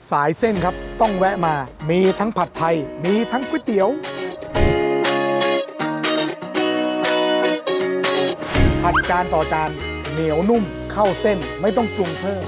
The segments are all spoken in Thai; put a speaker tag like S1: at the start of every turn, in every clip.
S1: สายเส้นครับต้องแวะมามีทั้งผัดไทยมีทั้งก๋วยเตี๋ยวผัดจานต่อจานเหนียวนุ่มเข้าเส้นไม่ต้องปรุงเพิ่ม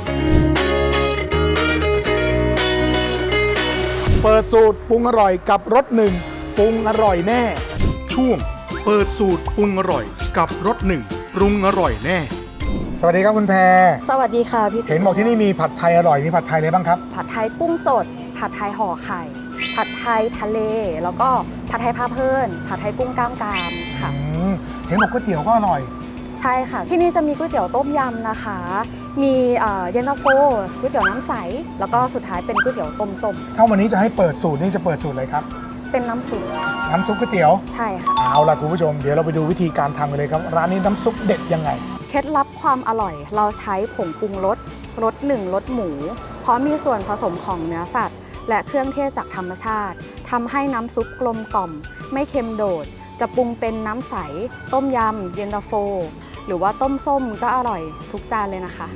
S1: เปิดสูตรปรุงอร่อยกับรสหนึ่งปรุงอร่อยแน่ช่วงเปิดสูตรปรุงอร่อยกับรสหนึ่งปรุงอร่อยแน่สวัสดีครับคุณแพร
S2: สวัสดีค่ะพี่
S1: เห็นบอกที่นี่มีผัดไทยอร่อยมีผัดไทยอะไรบ้างครับ
S2: ผัดไทยกุ้งสดผัดไทยห่อไข่ผัดไทยทะเลแล้วก็ผัดไทยพาเพลินผัดไทยกุ้งกล้ามกรามค่ะ
S1: เห็นบอกก๋วยเตี๋ยวก็อร่อย
S2: ใช่ค่ะที่นี่จะมีก๋วยเตี๋ยวต้มยำนะคะมีเย็นตาโฟก๋วยเตี๋ยวน้ำใสแล้วก็สุดท้ายเป็นก๋วยเตี๋ยวต้มส้ม
S1: ถ้าวันนี้จะให้เปิดสูตรนี่จะเปิดสูตรอะไรครับ
S2: เป็นน้ำซุป
S1: ก๋วยเตี๋ยว
S2: ใช่ค่ะ
S1: เอาล่ะคุณผู้ชมเดี๋ยวเราไปดูวิธีการทำกันเลยครับร้านนี้น้ำซุปเด็ดยังไง
S2: เคล็ดลับความอร่อยเราใช้ผงปรุงรสรสหนึ่งรสหมูเพราะมีส่วนผสมของเนื้อสัตว์และเครื่องเทศจากธรรมชาติทำให้น้ำซุปกลมกล่อมไม่เค็มโดดจะปรุงเป็นน้ำใสต้มยำเย็นตาโฟหรือว่าต้มส้มก็อร่อยทุกจานเลยนะคะ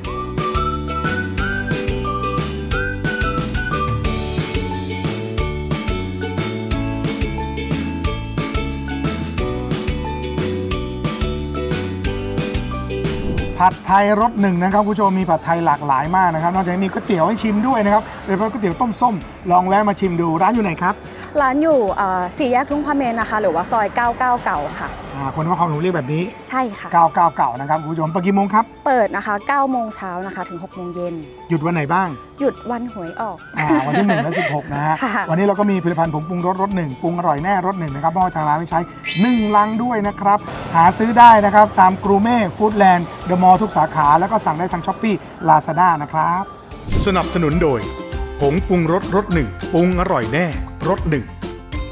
S1: ผัดไทยรสหนึ่งนะครับคุณผู้ชมมีผัดไทยหลากหลายมากนะครับนอกจากนี้มีก๋วยเตี๋ยวให้ชิมด้วยนะครับโดยเฉพาะก๋วยเตี๋ยวต้มส้มลองแวะมาชิมดูร้านอยู่ไหนครับ
S2: ร้านอยู่สี่แยกทุ่งพระเมนนะคะหรือว่าซอย99เก่าค่ะ
S1: คนนครปฐมเรียกแบบนี้
S2: ใช่ค่ะ
S1: 99เก่านะครับคุณผู้ชมเปิดกี่โมงครับ
S2: เปิดนะคะ9โมงเช้านะคะถึง6โมงเย็น
S1: หยุดวันไหนบ้าง
S2: หยุดวันหวยออก
S1: วันที่1และ16นะฮะวันนี้เราก็มีผลิตภัณฑ์ผงปรุงรสหนึ่งปรุงอร่อยแน่รสหนึ่งนะครับมอบทางร้านไม่ใช้1ลังด้วยนะครับหาซื้อได้นะครับตามกรูเม่ฟู้ดแลนด์เดอะมอลล์ทุกสาขาแล้วก็สั่งได้ทางช้อปปี้ลาซาด้านะครับสนับสนุนโดยผงปรุงรสหนึ่งปรุงอร่อยแน่รสหนึ่ง